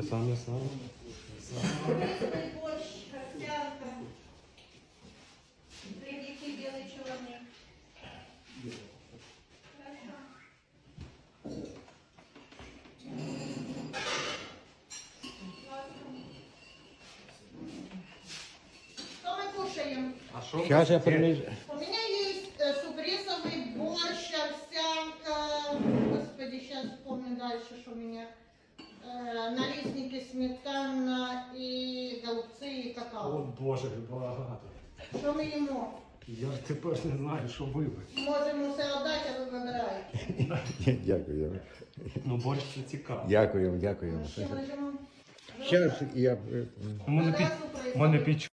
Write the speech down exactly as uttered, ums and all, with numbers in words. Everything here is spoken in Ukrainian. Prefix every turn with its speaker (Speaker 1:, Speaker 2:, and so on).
Speaker 1: Саме саме.
Speaker 2: Рисовый борщ, овсянка. Хлебики белый, черный. Хорошо. Что мы кушаем?
Speaker 1: А що?
Speaker 3: Сейчас я принесу.
Speaker 2: У меня есть э, суп-рисовый борщ, овсянка. Господи, сейчас вспомню дальше, что у меня. Э, налисники, сметана и голубцы и
Speaker 1: О
Speaker 2: какао.
Speaker 1: Боже, багато.
Speaker 2: Що ми їмо?
Speaker 1: Я ж тепер не знаю, що вибрати.
Speaker 2: Можемо все віддати, а ви вибираєте.
Speaker 3: Дякую.
Speaker 1: Ну борщ це цікаво.
Speaker 3: Дякую, дякую.
Speaker 2: Що ми їмо?
Speaker 3: Зараз я.
Speaker 1: У мене під,
Speaker 2: Одразу
Speaker 1: у мене під